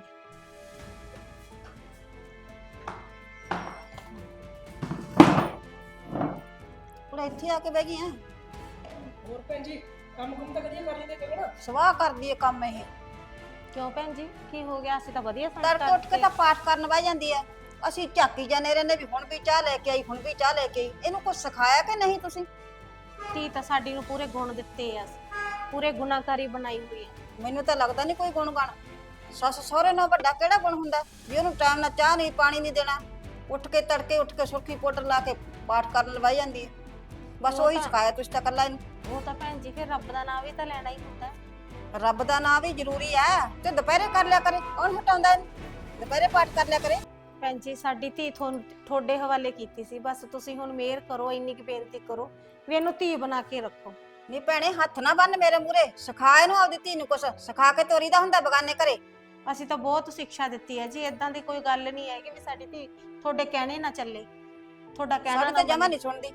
[SPEAKER 2] ਹੁਣ ਇੱਥੇ ਆ ਕੇ ਬਹਿ ਗਈ ਆ।
[SPEAKER 6] ਹੋਰ ਭੈਣ ਜੀ, ਕੰਮ ਕੁੰਮ ਤਾਂ ਕਦੀ ਕਰ ਲੈਂਦੇ ਕਗਣਾ?
[SPEAKER 2] ਸਵਾਹ ਕਰਦੀ ਏ ਕੰਮ ਇਹ।
[SPEAKER 5] ਕਿਉਂ ਭੈਣ ਜੀ, ਕੀ ਹੋ ਗਿਆ? ਅਸੀਂ ਤਾਂ ਵਧੀਆ ਸੰਗ
[SPEAKER 2] ਤੜਕੇ ਉੱਠ ਕੇ ਤਾਂ ਪਾਠ ਕਰਨ ਬਹਿ ਜਾਂਦੀ ਆ। ਅਸੀਂ ਝਾਕੀ ਜਾਂਦੇ ਰਹਿੰਦੇ ਵੀ ਹੁਣ ਵੀ ਚਾਹ ਲੈ ਕੇ ਆਈ, ਹੁਣ ਵੀ ਚਾਹ ਲੈ ਕੇ ਆਈ। ਇਹਨੂੰ ਕੁਝ ਸਿਖਾਇਆ ਕਿ ਨਹੀਂ ਤੁਸੀਂ?
[SPEAKER 5] ਧੀ ਤਾਂ ਸਾਡੀ ਨੂੰ ਪੂਰੇ ਗੁਣ ਦਿੱਤੇ ਆ, ਪੂਰੇ ਗੁਨਾਹਕਾਰੀ ਬਣਾਈ ਹੋਈ ਆ।
[SPEAKER 2] ਮੈਨੂੰ ਤਾਂ ਲੱਗਦਾ ਨਹੀਂ ਕੋਈ ਗੁਣ ਗਣ। ਸੱਸ ਸਹੁਰੇ ਨਾਲ ਵੱਡਾ ਕਿਹੜਾ ਗੁਣ ਹੁੰਦਾ ਵੀ ਉਹਨੂੰ ਟਾਈਮ ਨਾਲ ਚਾਹ ਨਹੀਂ ਪਾਣੀ ਨਹੀਂ ਦੇਣਾ, ਉੱਠ ਕੇ ਤੜਕੇ ਉੱਠ ਕੇ ਸੁਰਖੀ ਪਾਊਡਰ ਲਾ ਕੇ ਪਾਠ ਕਰਨ ਲਵਾਈ ਜਾਂਦੀ ਹੈ। ਬਸ
[SPEAKER 5] ਉਹ
[SPEAKER 2] ਉਹੀ
[SPEAKER 5] ਤਾਂ-
[SPEAKER 2] ਸਿਖਾਇਆ ਤੁਸੀਂ ਤਾਂ ਕੱਲਾ ਇਹਨੂੰ।
[SPEAKER 5] ਉਹ ਤਾਂ ਭੈਣ ਜੀ ਫਿਰ ਰੱਬ ਦਾ ਨਾਮ ਵੀ ਤਾਂ ਲੈਣਾ ਹੀ ਹੁੰਦਾ ਹੈ।
[SPEAKER 2] ਰੱਬ ਦਾ ਨਾਮ ਵੀ ਜ਼ਰੂਰੀ ਹੈ ਤੇ ਦੁਪਹਿਰੇ ਕਰ ਲਿਆ ਕਰੇ, ਕੌਣ ਹਟਾਉਂਦਾ ਇਹਨੂੰ? ਦੁਪਹਿਰੇ ਪਾਠ ਕਰ ਲਿਆ ਕਰੇ।
[SPEAKER 5] ਭੈਣ ਜੀ ਸਾਡੀ ਧੀ ਤੁਹਾਨੂੰ ਤੁਹਾਡੇ ਹਵਾਲੇ ਕੀਤੀ ਸੀ, ਬਸ ਤੁਸੀਂ ਹੁਣ ਮਿਹਰ ਕਰੋ, ਇੰਨੀ ਕੁ ਬੇਨਤੀ ਕਰੋ ਵੀ ਇਹਨੂੰ ਧੀ ਬਣਾ ਕੇ ਰੱਖੋ।
[SPEAKER 2] ਨਹੀਂ ਭੈਣੇ ਹੱਥ ਨਾ ਬੰਨ ਮੇਰੇ ਮੂਹਰੇ, ਸਿਖਾ ਇਹਨੂੰ ਆਪਦੀ ਧੀ ਨੂੰ ਕੁਛ ਸਿਖਾ ਕੇ ਤੋਰੀ ਦਾ ਹੁੰਦਾ ਬਗਾਨੇ ਘਰੇ।
[SPEAKER 5] ਅਸੀਂ ਤਾਂ ਬਹੁਤ ਸਿੱਖਿਆ ਦਿੱਤੀ ਹੈ ਜੀ, ਇਦਾਂ ਦੀ ਕੋਈ ਗੱਲ ਨਹੀਂ ਹੈਗੀ ਵੀ ਸਾਡੀ ਧੀ ਤੁਹਾਡੇ ਕਹਿਣੇ ਨਾ ਚੱਲੇ, ਤੁਹਾਡਾ ਕਹਿਣਾ
[SPEAKER 2] ਸਾਡੇ
[SPEAKER 5] ਨਾ
[SPEAKER 2] ਤਾਂ ਜਮਾ
[SPEAKER 5] ਮੰਨੇ।
[SPEAKER 2] ਨਹੀਂ ਸੁਣਦੀ।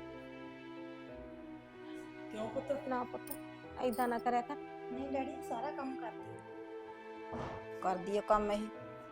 [SPEAKER 6] ਕਿਉਂ ਪੁੱਤ?
[SPEAKER 5] ਨਾ ਪੁੱਤ ਏਦਾਂ ਨਾ ਕਰਿਆ ਕਰ।
[SPEAKER 3] ਨਹੀਂ ਡੈਡੀ ਸਾਰਾ ਕੰਮ ਕਰਦੀ ਆ।
[SPEAKER 2] ਕਰਦੀ ਆ ਕੰਮ ਇਹ।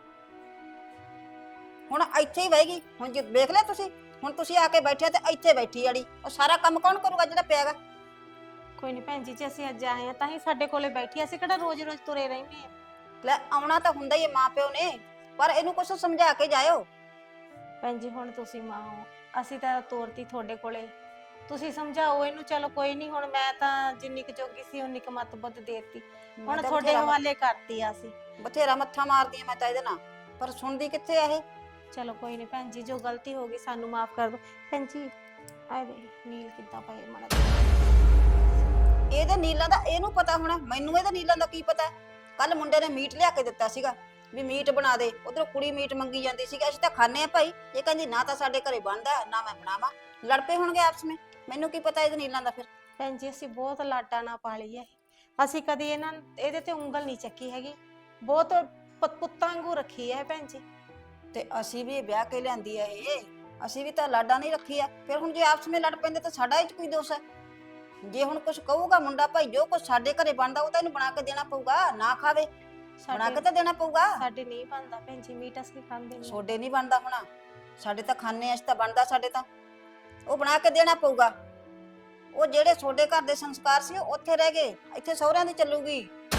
[SPEAKER 2] ਹੁਣ ਇੱਥੇ ਹੀ ਬਹਿਗੀ। ਹੁਣ ਜੇ ਵੇਖ ਲਿਆ ਤੁਸੀਂ, ਹੁਣ ਤੁਸੀਂ ਆ ਕੇ ਬੈਠੇ ਤੇ ਇੱਥੇ ਬੈਠੀ ਆੜੀ, ਉਹ ਸਾਰਾ ਕੰਮ ਕੌਣ ਕਰੂਗਾ ਜਿਹੜਾ ਪਿਆਗਾ?
[SPEAKER 5] ਕੋਈ ਨਹੀਂ ਭੈਣ ਜੀ, ਜੇ ਅਸੀਂ ਅੱਜ ਆਏ ਆ ਤਾਂ ਹੀ ਸਾਡੇ ਕੋਲੇ ਬੈਠੀ, ਅਸੀਂ ਕਿਹੜਾ ਰੋਜ਼-ਰੋਜ਼ ਤੁਰੇ ਰਹਿੰਦੇ ਆ।
[SPEAKER 2] ਲੈ ਆਉਣਾ ਤਾਂ ਹੁੰਦਾ ਹੀ ਹੈ ਮਾਂ ਪਿਓ ਨੇ, ਪਰ ਇਹਨੂੰ ਕੁਛ ਸਮਝਾ ਕੇ ਜਾਇਓ।
[SPEAKER 5] ਭੈਣ ਜੀ ਹੁਣ ਤੁਸੀਂ ਮਾਂ ਹੋ, ਅਸੀਂ ਤਾਂ ਤੋਰਤੀ ਤੁਹਾਡੇ ਕੋਲੇ, ਤੁਸੀਂ ਸਮਝਾਓ ਇਹਨੂੰ। ਚਲੋ ਕੋਈ ਨਹੀਂ, ਹੁਣ ਮੈਂ ਤਾਂ ਜਿੰਨੀ ਕੁ ਜੋਗੀ ਸੀ ਉਨੀ ਕੁ ਮੱਤ ਬੁੱਧ ਦੇਤੀ, ਹੁਣ
[SPEAKER 2] ਤਾਂ
[SPEAKER 5] ਤੁਹਾਡੇ
[SPEAKER 2] ਬਥੇਰਾ-
[SPEAKER 5] ਹਵਾਲੇ ਕਰਤੀ ਆ ਅਸੀਂ।
[SPEAKER 2] ਬਥੇਰਾ ਮੱਥਾ ਮਾਰਦੀ ਆ ਮੈਂ ਤਾਂ ਇਹਦੇ ਨਾਲ, ਪਰ ਸੁਣਦੀ ਕਿੱਥੇ ਆ ਇਹ?
[SPEAKER 5] ਚਲੋ ਕੋਈ ਨਹੀਂ ਭੈਣ ਜੀ, ਜੋ ਗਲਤੀ ਹੋ ਗਈ ਸਾਨੂੰ ਮਾਫ ਕਰ ਦਿਓ। ਭੈਣ ਜੀ ਆ ਦੇ ਨੀਲ ਕਿੱਦਾਂ ਪਏ ਮਾੜਾ ਜਿਹਾ।
[SPEAKER 2] ਇਹਦੇ ਨੀਲਾਂ ਦਾ ਇਹਨੂੰ ਪਤਾ ਹੋਣਾ, ਮੈਨੂੰ ਇਹਦੇ ਨੀਲਾਂ ਦਾ ਕੀ ਪਤਾ? ਕੱਲ ਮੁੰਡੇ ਨੇ ਮੀਟ ਲਿਆ ਕੇ ਦਿੱਤਾ ਸੀਗਾ ਵੀ ਮੀਟ ਬਣਾ ਦੇ, ਉਧਰੋਂ ਕੁੜੀ ਮੀਟ ਮੰਗੀ ਜਾਂਦੀ ਸੀਗੀ, ਅਸੀਂ ਤਾਂ ਖਾਣੇ ਆ ਭਾਈ। ਇਹ ਕਹਿੰਦੀ ਨਾ ਤਾਂ ਸਾਡੇ ਘਰੇ ਬਣਦਾ ਨਾ ਮੈਂ ਬਣਾਵਾਂ, ਲੜ ਪਏ ਹੋਣਗੇ ਆਪਸ ਵਿੱਚ। ਮੈਨੂੰ ਕੀ ਪਤਾ ਇਹਦੇ ਨੀਲਾਂ ਦਾ ਫਿਰ।
[SPEAKER 5] ਭੈਣ ਜੀ ਅਸੀਂ ਬਹੁਤ ਲਾਡਾ ਨਾ ਪਾਲੀ ਹੈ, ਅਸੀਂ ਕਦੀ ਇਹਨਾਂ ਇਹਦੇ ਤੇ ਉਂਗਲ ਨਹੀਂ ਚੱਕੀ ਹੈਗੀ, ਬਹੁਤ ਪ- ਪੁੱਤਾਂ ਵਾਂਗੂ ਰੱਖੀ ਹੈ ਭੈਣ ਜੀ।
[SPEAKER 2] ਤੇ ਅਸੀਂ ਵੀ ਵਿਆਹ ਕੇ ਲਿਆਂਦੀ ਆ ਇਹ, ਅਸੀਂ ਵੀ ਤਾਂ ਲਾਡਾ ਨਹੀਂ ਰੱਖੀ ਆ। ਫਿਰ ਹੁਣ ਜੇ ਆਪਸ ਵਿੱਚ ਲੜ ਪੈਂਦੇ ਤਾਂ ਸਾਡਾ ਇਹ 'ਚ ਕੋਈ ਦੋਸ਼ ਹੈ? ਜੇ ਹੁਣ ਕੁਝ ਕਹੂਗਾ ਮੁੰਡਾ ਭਾਈ, ਜੋ ਕੁਝ ਸਾਡੇ ਘਰੇ ਬਣਦਾ ਉਹ ਤਾਂ ਇਹਨੂੰ ਬਣਾ ਕੇ ਦੇਣਾ ਪਊਗਾ, ਨਾ ਖਾਵੇ ਬਣਾ ਕੇ
[SPEAKER 5] ਸਾਡੇ
[SPEAKER 2] ਤਾਂ ਦੇਣਾ ਪਊਗਾ।
[SPEAKER 5] ਸਾਡੇ ਨਹੀਂ ਬਣਦਾ ਭੈਣ ਜੀ, ਮੀਟ ਅਸੀਂ ਖਾਂਦੇ ਨਹੀਂ।
[SPEAKER 2] ਸੋਡੇ ਨਹੀਂ ਬਣਦਾ ਹੋਣਾ, ਸਾਡੇ ਤਾਂ ਖਾਣੇ ਆ, ਅਸੀਂ ਤਾਂ ਬਣਦਾ ਸਾਡੇ ਤਾਂ, ਉਹ ਬਣਾ ਕੇ ਦੇਣਾ ਪਊਗਾ। ਉਹ ਜਿਹੜੇ ਸੋਡੇ ਘਰ ਦੇ ਸੰਸਕਾਰ ਸੀ ਉਹ ਉੱਥੇ ਰਹਿ ਗਏ, ਇੱਥੇ ਸਹੁਰਿਆਂ ਦੀ ਚੱਲੂਗੀ।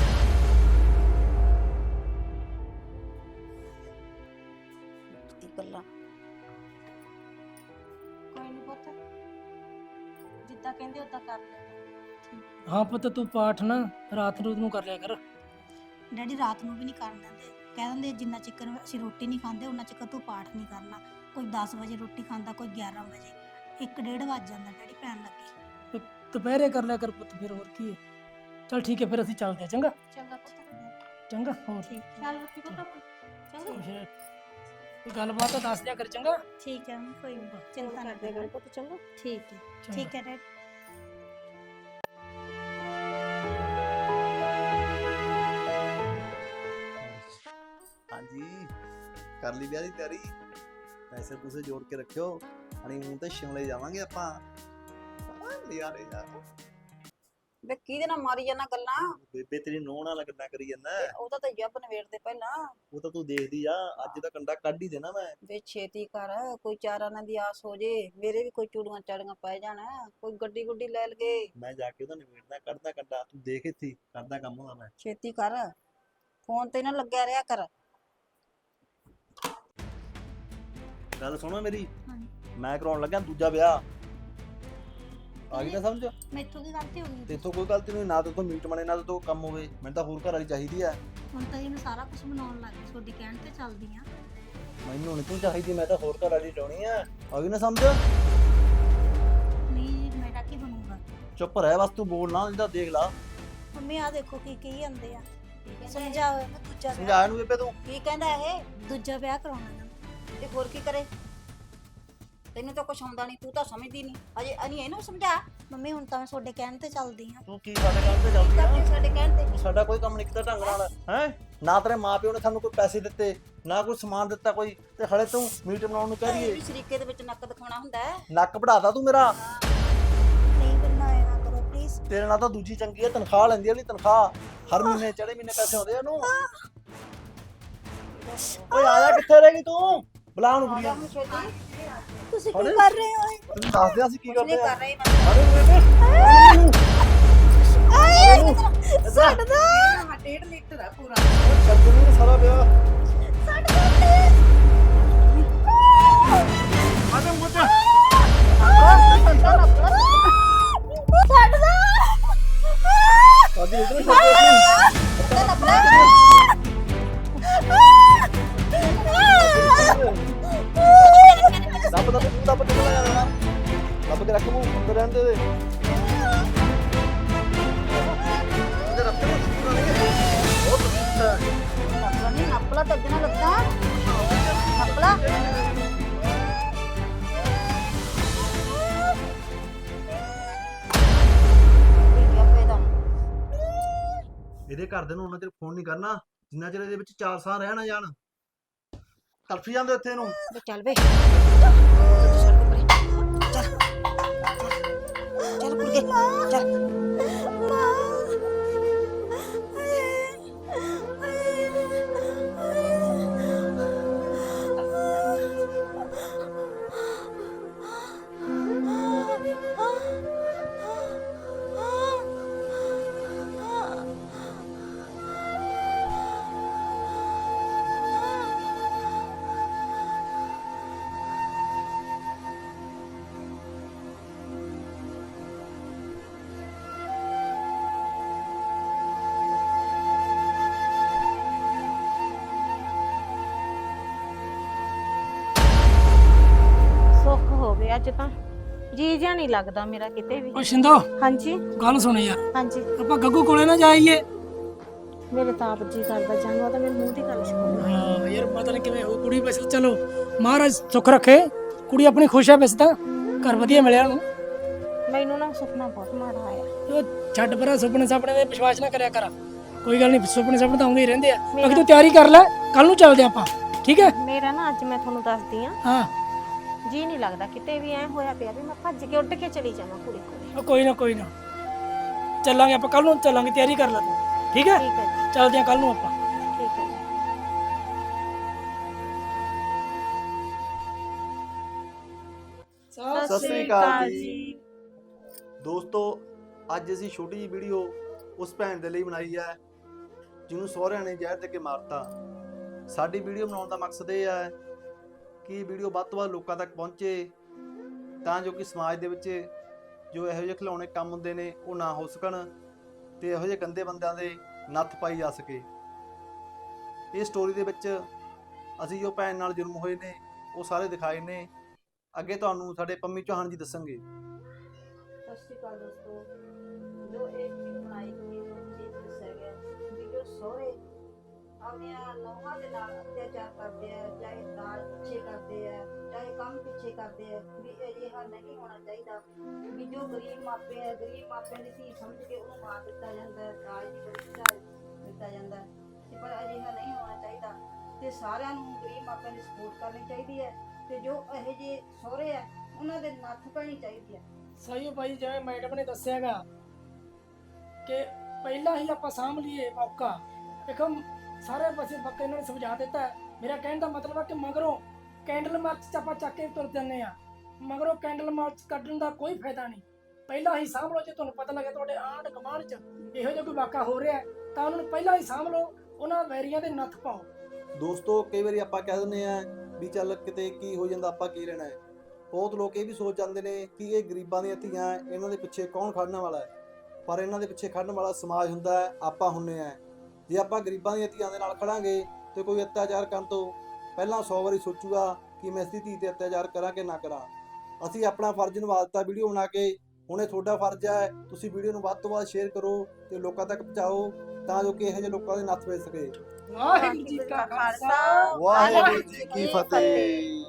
[SPEAKER 2] ਕੀ ਗੱਲਾਂ।
[SPEAKER 5] ਕੋਈ ਨਹੀਂ ਪੁੱਤ, ਜਿੱਦਾਂ ਕਹਿੰਦੇ ਉਦਾਂ ਕਰ ਲੈ।
[SPEAKER 6] ਹਾਂ ਪੁੱਤ, ਤੂੰ ਪਾਠ ਨਾ ਰਾਤ ਰੂਤ ਨੂੰ ਕਰ ਲਿਆ ਕਰ।
[SPEAKER 3] ਡੈਡੀ ਰਾਤ ਨੂੰ ਵੀ ਨਹੀਂ ਕਰਨ ਦਿੰਦੇ, ਕਹਿ ਦਿੰਦੇ ਜਿੰਨਾ ਚਿਕਰ ਅਸੀਂ ਰੋਟੀ ਨਹੀਂ ਖਾਂਦੇ ਉਹਨਾਂ ਚਿਕਰ ਤੂੰ ਪਾਠ ਨਹੀਂ ਕਰਨਾ। ਕੋਈ ਦਸ ਵਜੇ ਰੋਟੀ ਖਾਂਦਾ, ਕੋਈ ਗਿਆਰਾਂ ਵਜੇ, ਇੱਕ ਡੇਢ ਵੱਜ ਜਾਂਦਾ ਡੈਡੀ ਪੈਣ ਲੱਗੇ।
[SPEAKER 6] ਤੇ ਦੁਪਹਿਰੇ ਕਰ ਲਿਆ ਕਰ ਪੁੱਤ, ਫਿਰ ਹੋਰ ਕੀ ਹੈ। ਚਲ ਠੀਕ ਹੈ, ਫਿਰ ਅਸੀਂ ਚੱਲਦੇ ਹਾਂ। ਚੰਗਾ
[SPEAKER 5] ਚੰਗਾ ਪੁੱਤ,
[SPEAKER 6] ਚੰਗਾ। ਹੋਰ
[SPEAKER 3] ਠੀਕ ਹੈ
[SPEAKER 5] ਖਿਆਲ ਰੱਖੀ ਪੁੱਤ ਆਪਣਾ। ਚੰਗਾ
[SPEAKER 6] ਫਿਰ ਕੋਈ ਗੱਲਬਾਤ ਤਾਂ ਦੱਸ ਦਿਆ ਕਰ। ਚੰਗਾ
[SPEAKER 3] ਠੀਕ ਹੈ ਕੋਈ ਨਹੀਂ, ਚਿੰਤਾ ਨਾ
[SPEAKER 5] ਕਰਦੇ
[SPEAKER 3] ਕਰੋ।
[SPEAKER 5] ਗੱਲ ਪੁੱਤ। ਚੰਗਾ
[SPEAKER 3] ਠੀਕ ਹੈ
[SPEAKER 6] ਚੰਗਾ।
[SPEAKER 3] ਠੀਕ ਹੈ ਡੈਡੀ।
[SPEAKER 1] ਹਾਂਜੀ ਕਰ ਲਈ ਵਿਆਹ ਦੀ ਤਿਆਰੀ, ਪੈਸੇ ਪੂਸੇ ਜੋੜ ਕੇ ਰੱਖਿਓ, ਹਨੀਮੂਨ ਤੇ ਸ਼ਿਮਲੇ ਜਾਵਾਂਗੇ ਆਪਾਂ। ਯਾਰੇ ਯਾਰ
[SPEAKER 2] ਵੇ ਕਿਹਦੇ ਨਾਲ ਮਾਰੀ ਜਾਂਦਾ ਗੱਲਾਂ?
[SPEAKER 1] ਬੇਬੇ ਤੇਰੀ ਨੋਹ ਨਾਲ ਗੱਲਾਂ ਕਰੀ ਜਾਂਦਾ,
[SPEAKER 2] ਉਹਦਾ ਤਾਂ ਜੱਬ ਨਵੇੜਦੇ ਪਹਿਲਾਂ।
[SPEAKER 1] ਉਹ ਤਾਂ ਤੂੰ ਦੇਖਦੀ ਆ, ਅੱਜ ਦਾ ਕੰਡਾ ਕੱਢ ਹੀ ਦੇਣਾ ਮੈਂ।
[SPEAKER 2] ਵੇ ਛੇਤੀ ਕਰ, ਕੋਈ ਚਾਰਾਂ ਨਾਲ ਦੀ ਆਸ ਹੋ ਜੇ, ਮੇਰੇ ਵੀ ਕੋਈ ਚੂੜੀਆਂ ਚਾੜੀਆਂ ਪੈ ਜਾਣ, ਕੋਈ ਗੱਡੀ ਗੁੱਡੀ ਲੈ ਲਗੇ।
[SPEAKER 1] ਮੈਂ ਜਾ ਕੇ ਉਹਦਾ ਨਿਬੇੜਦਾ, ਕੱਢਦਾ ਕੰਡਾ, ਤੂੰ ਦੇਖ ਇੱਥੇ ਹੀ ਕਰਦਾ ਕੰਮ ਉਹਦਾ ਮੈਂ।
[SPEAKER 2] ਛੇਤੀ ਕਰ, ਫੋਨ ਤੇ ਨਾ ਲੱਗਿਆ ਰਿਹਾ ਕਰ।
[SPEAKER 1] ਗੱਲ ਸੁਣੋ ਮੇਰੀ,
[SPEAKER 3] ਹਾਂਜੀ।
[SPEAKER 1] ਮੈਂ ਕਰਾਉਣ ਲੱਗਾ ਦੂਜਾ ਵਿਆਹ, ਆ ਗਈ ਨਾ ਸਮਝ?
[SPEAKER 3] ਮੈਥੋਂ ਕੀ ਗਲਤੀ ਹੋ ਗਈ?
[SPEAKER 1] ਤੇਥੋਂ ਕੋਈ ਗਲਤੀ ਨਹੀਂ, ਨਾ ਤੇ ਤੋਂ ਮੀਟ ਬਣੇ ਨਾ ਤੇ ਤੋਂ ਕੰਮ ਹੋਵੇ, ਮੈਨੂੰ ਤਾਂ ਹੋਰ ਘਰ ਵਾਲੀ ਚਾਹੀਦੀ ਆ।
[SPEAKER 3] ਹੁਣ ਤਾਂ ਇਹਨੂੰ ਸਾਰਾ ਕੁਝ ਬਣਾਉਣ ਲੱਗ ਗਈ, ਤੁਹਾਡੀ ਕਹਿਣ ਤੇ ਚੱਲਦੀ ਆ।
[SPEAKER 1] ਮੈਨੂੰ ਨਹੀਂ ਤੂੰ ਚਾਹੀਦੀ, ਮੈਂ ਤਾਂ ਹੋਰ ਘਰ ਵਾਲੀ ਚਾਹਣੀ ਆ। ਆ ਗਈ ਨਾ ਸਮਝ?
[SPEAKER 3] ਨਹੀਂ ਮੇਰਾ ਕੀ ਬਣੂਗਾ?
[SPEAKER 1] ਚੁੱਪ ਰਹਿ ਬਸ, ਤੂੰ ਬੋਲ ਨਾ, ਇਹਦਾ ਦੇਖ ਲਾ।
[SPEAKER 3] ਮੰਮੀ ਆ ਦੇਖੋ ਕੀ ਕਹੀ ਜਾਂਦੇ ਆ, ਸਮਝਾਓ ਇਹਨੂੰ ਦੂਜਾ ਵਿਆਹ,
[SPEAKER 1] ਸਮਝਾ ਇਹਨੂੰ ਬੇਬੇ ਤੂੰ।
[SPEAKER 2] ਕੀ ਕਹਿੰਦਾ ਇਹ?
[SPEAKER 3] ਦੂਜਾ ਵਿਆਹ ਕਰਾਉਣਾ ਇਹਨਾਂ।
[SPEAKER 2] ਤੇ ਹੋਰ ਕੀ ਕਰੇ? ਤੈਨੂੰ ਤਾਂ ਕੁਛ ਆਉਂਦਾ ਨਹੀਂ, ਤੂੰ ਤਾਂ ਸਮਝਦੀ ਨਹੀਂ ਅਜੇ। ਅਨੀ ਇਹਨੂੰ ਸਮਝਾ।
[SPEAKER 3] ਮੰਮੀ ਹੁਣ ਤਾਂ ਮੈਂ ਤੁਹਾਡੇ ਕਹਿਣ ਤੇ ਚੱਲਦੀ ਆ।
[SPEAKER 1] ਤੂੰ ਕੀ ਸਾਡੇ ਕੰਮ ਤੇ ਜਾਂਦੀ
[SPEAKER 2] ਕਰਦੇ
[SPEAKER 1] ਆ?
[SPEAKER 2] ਸਾਡੇ ਕਹਿਣ ਤੇ।
[SPEAKER 1] ਤੂੰ ਸਾਡਾ ਕੋਈ ਕੰਮ ਨਹੀਂ ਕੀਤਾ ਢੰਗ ਨਾਲ, ਹੈ ਨਾ ਤੇਰੇ ਮਾਪਿਓ ਨੇ ਸਾਨੂੰ ਕੋਈ ਪੈਸੇ ਦਿੱਤੇ, ਨਾ ਕੋਈ ਸਮਾਨ ਦਿੱਤਾ ਕੋਈ, ਤੇ ਹਲੇ ਤੂੰ ਮੀਟ ਬਣਾਉਣ ਨੂੰ ਕਹਿ ਰਹੀ
[SPEAKER 2] ਇਹ
[SPEAKER 1] ਏ।
[SPEAKER 2] ਵੀ ਸ਼ਰੀਕੇ ਦੇ ਵਿੱਚ ਨੱਕ ਦਿਖਾਉਣਾ ਹੁੰਦਾ ਹੈ।
[SPEAKER 1] ਨੱਕ ਵਢਾਤਾ ਤੂੰ ਮੇਰਾ।
[SPEAKER 3] ਨਹੀਂ ਬਣਾਇਆ ਨਾ ਕਰੋ ਪਲੀਜ਼।
[SPEAKER 1] ਤੇਰੇ ਨਾਲ ਤਾਂ ਦੂਜੀ ਚੰਗੀ ਆ, ਤਨਖਾਹ ਲੈਂਦੀ ਆ, ਨਹੀਂ ਤਨਖਾਹ ਹਰ ਮਹੀਨੇ ਚੜੇ ਮਹੀਨੇ ਪੈਸੇ ਆਉਂਦੇ ਆ ਉਹਨੂੰ। ਓਏ ਆਇਆ ਕਿੱਥੇ ਰਹਿ ਗਈ ਤੂੰ? ਬੁਲਾ ਉਹਨੂੰ ਕੁੜੀਆਂ ਨੂੰ।
[SPEAKER 3] ਤੁਸੀਂ
[SPEAKER 1] ਕੀ
[SPEAKER 3] ਕਰ ਰਹੇ ਹੋ?
[SPEAKER 1] ਤੈਨੂੰ ਦੱਸ ਦਿਆਂ ਅਸੀਂ ਕੀ
[SPEAKER 2] ਕੁਛ ਨਹੀਂ
[SPEAKER 1] ਕਰਦੇ ਆ।
[SPEAKER 2] ਕਰ ਰਹੀ ਮੈਂ।
[SPEAKER 1] ਅਰੇ ਬੇਬੇ
[SPEAKER 3] ਛੱਡ ਦੋ,
[SPEAKER 4] ਹਾਂ ਡੇਢ ਲੀਟਰ ਆ ਪੂਰਾ।
[SPEAKER 1] ਛੱਡ ਨੂੰ ਸਾਰਾ ਵਿਆਹ।
[SPEAKER 3] ਛੱਡ ਦੋ ਪਲੀਜ਼।
[SPEAKER 1] ਆਜਾ ਮੁੱਤ।
[SPEAKER 3] ਛੱਡ ਦੋ।
[SPEAKER 1] ਸਾਡੀ ਇਧਰ ਛੱਡ ਦੇ। ਰੱਬ ਕਿੱਥੇ ਲੈ ਜਾਣਾ ਰੱਬ ਕੇ ਰੱਖ ਮੂੰਹ ਅੰਦਰ ਰਹਿਣ ਦੇ ਦੇ ਅੰਦਰ ਰੱਬ ਨੂੰ ਸੁਣਾ ਨਹੀਂ ਬਹੁਤ ਵਧੀਆ
[SPEAKER 2] ਨੱਪਲਾ ਨਹੀਂ ਨੱਪਲਾ ਤੇ ਜਨਾ ਲੱਤਾਂ ਨੱਪਲਾ ਇਹ ਕੀ ਪੈਦਾ
[SPEAKER 1] ਇਹਦੇ ਘਰ ਦੇ ਨੂੰ ਉਹਨਾਂ ਚਿਰ ਫੋਨ ਨਹੀਂ ਕਰਨਾ ਜਿੰਨਾ ਚਿਰ ਇਹਦੇ ਵਿੱਚ ਚਾਰ ਸਾਹ ਰਹਿ ਨਾ ਜਾਣ ਤੜਫੀ ਜਾਂਦੇ ਇੱਥੇ ਨੂੰ
[SPEAKER 2] ਵੇ ਚੱਲ ਵੇ ਚੱਲ ਪਰੇ ਚੱਲ ਚੱਲ ਕੁੜੀਏ ਚੱਲ
[SPEAKER 5] ਸੁੱਖ ਹੋਵੇ ਅੱਜ ਤਾਂ ਜੀ ਜਿਹਾ ਨਹੀਂ ਲੱਗਦਾ ਮੇਰਾ ਕਿਤੇ ਵੀ
[SPEAKER 6] ਓ ਸ਼ਿੰਦੋ
[SPEAKER 5] ਹਾਂਜੀ
[SPEAKER 6] ਗੱਲ ਸੁਣ ਯਾਰ
[SPEAKER 5] ਹਾਂਜੀ
[SPEAKER 6] ਆਪਾਂ ਗੱਗੂ ਕੋਲੇ ਨਾ ਜਾਈਏ
[SPEAKER 5] ਮੇਰੇ ਤਾਂ ਆਪ ਜੀ ਕਰਦਾ ਜਾਨੂੰ ਤਾਂ ਮੇਰੇ ਮੂੰਹ ਦੀ ਗੱਲ ਸੁਣ
[SPEAKER 6] ਹਾਂ ਯਾਰ ਪਤਾ ਨਹੀਂ ਕਿਵੇਂ ਹੋ ਕੁੜੀ ਬਸ ਚਲੋ ਮਹਾਰਾਜ ਸੁੱਖ ਰੱਖੇ ਕੁੜੀ ਆਪਣੀ ਖੁਸ਼ ਹੈ ਵੈਸੇ ਤਾਂ ਘਰ ਵਧੀਆ ਮਿਲਿਆ ਉਹਨੂੰ
[SPEAKER 5] ਮੈਨੂੰ ਨਾ ਸੁਪਨਾ ਬਹੁਤ ਮਾੜਾ ਆਇਆ
[SPEAKER 6] ਉਹ ਛੱਡ ਪਰਾਂ ਸੁਪਨੇ ਸਾਪਣੇ ਤੇ ਵਿਸ਼ਵਾਸ ਨਾ ਕਰਿਆ ਕਰ ਕੋਈ ਗੱਲ ਨਹੀਂ ਸੁਪਨੇ ਸਾਪਣੇ ਤਾਂ ਆਉਂਦੇ ਹੀ ਰਹਿੰਦੇ ਆ ਬਾਕੀ ਤੂੰ ਤਿਆਰੀ ਕਰ ਲੈ ਕੱਲ ਨੂੰ ਚੱਲਦੇ ਆਪਾਂ ਠੀਕ ਹੈ
[SPEAKER 5] ਮੇਰਾ ਨਾ ਅੱਜ ਮੈਂ ਤੁਹਾਨੂੰ ਦੱਸਦੀ ਆ
[SPEAKER 6] ਹਾਂ
[SPEAKER 5] ਜੀ ਨਹੀਂ ਲੱਗਦਾ ਕਿਤੇ ਵੀ ਐ ਹੋਇਆ ਪਿਆ ਵੀ ਮੈਂ ਭੱਜ ਕੇ ਉੱਡ ਕੇ ਚਲੀ ਜਾਵਾਂ ਕੁੜੀ ਕੋਲੇ
[SPEAKER 6] ਉਹ ਕੋਈ ਨਾ ਕੋਈ ਨਾ ਚੱਲਾਂਗੇ ਆਪਾਂ ਕੱਲ ਨੂੰ ਚੱਲਾਂਗੇ ਤਿਆਰੀ ਕਰ ਲੈ ਤੂੰ ਠੀਕ ਹੈ
[SPEAKER 5] ਠੀਕ ਹੈ ਜੀ
[SPEAKER 6] ਚੱਲਦੇ ਆ ਕੱਲ ਨੂੰ ਆਪਾਂ
[SPEAKER 5] ਠੀਕ ਹੈ ਜੀ
[SPEAKER 1] ਸਤਿ ਸ੍ਰੀ ਅਕਾਲ ਜੀ ਦੋਸਤੋ ਅੱਜ ਅਸੀਂ ਛੋਟੀ ਜਿਹੀ ਵੀਡੀਓ ਉਸ ਭੈਣ ਦੇ ਲਈ ਬਣਾਈ ਹੈ ਜਿਹਨੂੰ ਸਹੁਰਿਆਂ ਨੇ ਜ਼ਹਿਰ ਦੇ ਕੇ ਮਾਰਤਾ ਸਾਡੀ ਵੀਡੀਓ ਬਣਾਉਣ ਦਾ ਮਕਸਦ ਇਹ ਹੈ ਕਿ ਇਹ ਵੀਡੀਓ ਵੱਧ ਤੋਂ ਵੱਧ ਲੋਕਾਂ ਤੱਕ ਪਹੁੰਚੇ ਤਾਂ ਜੋ ਕਿ ਸਮਾਜ ਦੇ ਵਿੱਚ ਜੋ ਇਹੋ ਜਿਹੇ ਖਿਲਾਉਣੇ ਕੰਮ ਹੁੰਦੇ ਨੇ ਉਹ ਨਾ ਹੋ ਸਕਣ ਤੇ ਇਹੋ ਜਿਹੇ ਗੰਦੇ ਬੰਦਿਆਂ ਦੇ ਨੱਥ ਪਾਈ ਜਾ ਸਕੇ ਇਹ ਸਟੋਰੀ ਦੇ ਵਿੱਚ ਅਸੀਂ ਜੋ ਭੈਣ ਨਾਲ ਜ਼ੁਲਮ ਹੋਏ ਨੇ ਉਹ ਸਾਰੇ ਦਿਖਾਏ ਨੇ ਅੱਗੇ ਤੁਹਾਨੂੰ ਸਾਡੇ ਪੰਮੀ ਚੌਹਾਨ ਜੀ ਦੱਸਣਗੇ
[SPEAKER 2] ਸਤਿ ਸ਼੍ਰੀ ਅਕਾਲ ਦੋਸਤੋ ਜੋ ਇਹ ਵੀਡੀਓ ਬਣਾਈ ਗਈ ਉਹ ਚੀਜ਼ ਦੱਸਿਆ ਗਿਆ ਵੀ ਜੋ ਸਹੁਰੇ ਆਪਣੀਆਂ ਨੌਹਾਂ ਦੇ ਨਾਲ ਅਤਿਆਚਾਰ ਕਰਦੇ ਆ ਚਾਹੇ ਦਾਲ ਪਿੱਛੇ ਕਰਦੇ ਆ ਚਾਹੇ ਕੰਮ ਪਿੱਛੇ ਕਰਦੇ ਆ ਵੀ ਅਜਿਹਾ ਨਹੀਂ ਹੋਣਾ ਚਾਹੀਦਾ ਵੀ ਜੋ ਗਰੀਬ ਮਾਪੇ ਆ ਗਰੀਬ ਮਾਪਿਆਂ ਦੀ ਧੀ ਸਮਝ ਕੇ ਉਹਨੂੰ ਮਾਰ ਦਿੱਤਾ ਜਾਂਦਾ ਹੈ ਦਾਜ ਦੀ ਬੜੀ ਦਾਜ ਦਿੱਤਾ ਜਾਂਦਾ ਹੈ ਤੇ ਪਰ ਅਜਿਹਾ ਨਹੀਂ ਹੋਣਾ ਚਾਹੀਦਾ ਤੇ ਸਾਰਿਆਂ ਨੂੰ ਗਰੀਬ ਮਾਪਿਆਂ ਦੀ ਸਪੋਰਟ ਕਰਨੀ ਚਾਹੀਦੀ ਹੈ ਤੇ ਜੋ ਇਹੋ ਜਿਹੇ ਸਹੁਰੇ ਆ ਉਹਨਾਂ ਦੇ ਨੱਥ ਪੈਣੀ ਚਾਹੀਦੀ ਹੈ
[SPEAKER 6] ਸਹੀ ਭਾਈ ਜਿਵੇਂ ਮੈਡਮ ਨੇ ਦੱਸਿਆਗਾ ਕਿ ਪਹਿਲਾਂ ਹੀ ਆਪਾਂ ਸਾਂਭ ਲਈਏ ਮੌਕਾ ਦੇਖੋ ਸਾਰੇ ਪਾਸੇ ਬੱਕੇ ਇਹਨਾਂ ਨੇ ਸਮਝਾ ਦਿੱਤਾ ਹੈ। ਮੇਰਾ ਕਹਿਣ ਦਾ ਮਤਲਬ ਹੈ ਕਿ ਮਗਰੋਂ ਕੈਂਡਲ ਮਾਰਚ ਚ ਆਪਾਂ ਚੱਕ ਕੇ ਤੁਰ ਜਾਂਦੇ ਆ ਮਗਰੋਂ ਕੈਂਡਲ ਮਾਰਚ ਕੱਢਣ ਦਾ ਕੋਈ ਫਾਇਦਾ ਨਹੀਂ ਪਹਿਲਾਂ ਹੀ ਸਾਂਭ ਲਓ ਜੇ ਤੁਹਾਨੂੰ ਪਤਾ ਲੱਗੇ ਤੁਹਾਡੇ ਆਂਢ ਗੁਆਂਢ ਚ ਇਹੋ ਜਿਹਾ ਕੋਈ ਵਾਕਾ ਹੋ ਰਿਹਾ ਤਾਂ ਉਹਨਾਂ ਨੂੰ ਪਹਿਲਾਂ ਹੀ ਸਾਂਭ ਲਓ ਉਹਨਾਂ ਵੈਰੀਆਂ ਦੇ ਨੱਥ ਪਾਓ
[SPEAKER 1] ਦੋਸਤੋ ਕਈ ਵਾਰੀ ਆਪਾਂ ਕਹਿ ਦਿੰਦੇ ਆ ਵੀ ਚੱਲ ਕਿਤੇ ਕੀ ਹੋ ਜਾਂਦਾ ਆਪਾਂ ਕੀ ਲੈਣਾ ਹੈ ਬਹੁਤ ਲੋਕ ਇਹ ਵੀ ਸੋਚ ਜਾਂਦੇ ਨੇ ਕਿ ਇਹ ਗਰੀਬਾਂ ਦੀਆਂ ਧੀਆਂ ਇਹਨਾਂ ਦੇ ਪਿੱਛੇ ਕੌਣ ਖੜਨ ਵਾਲਾ ਹੈ ਪਰ ਇਹਨਾਂ ਦੇ ਪਿੱਛੇ ਖੜਨ ਵਾਲਾ ਸਮਾਜ ਹੁੰਦਾ ਹੈ ਆਪਾਂ ਹੁੰਨੇ ਆ ਜੇ ਆਪਾਂ ਗਰੀਬਾਂ ਦੀਆਂ ਧੀਆਂ ਦੇ ਨਾਲ ਖੜਾਂਗੇ ਤੇ ਕੋਈ ਅਤਿਆਚਾਰ ਕਰਨ ਤੋਂ ਪਹਿਲਾਂ ਸੌ ਵਾਰੀ ਸੋਚੂਗਾ ਕਿ ਮੈਂ ਇਸ ਦੀ ਧੀ ਤੇ ਅਤਿਆਚਾਰ ਕਰਾਂ ਕਿ ਨਾ ਕਰਾਂ ਅਸੀਂ ਆਪਣਾ ਫਰਜ਼ ਨਿਭਾ ਦਿੱਤਾ ਵੀਡੀਓ ਬਣਾ ਕੇ ਹੁਣ ਇਹ ਤੁਹਾਡਾ ਫਰਜ਼ ਹੈ ਤੁਸੀਂ ਵੀਡੀਓ ਨੂੰ ਵੱਧ ਤੋਂ ਵੱਧ ਸ਼ੇਅਰ ਕਰੋ ਤੇ ਲੋਕਾਂ ਤੱਕ ਪਹੁੰਚਾਓ ਤਾਂ ਜੋ ਕਿ ਇਹੋ ਜਿਹੇ ਲੋਕਾਂ ਦੇ ਨੱਥ ਪੈ ਸਕੇ
[SPEAKER 6] ਵਾਹਿਗੁਰੂ ਜੀ ਕਾ ਖਾਲਸਾ
[SPEAKER 1] ਵਾਹਿਗੁਰੂ ਜੀ ਕੀ ਫਤਿਹ।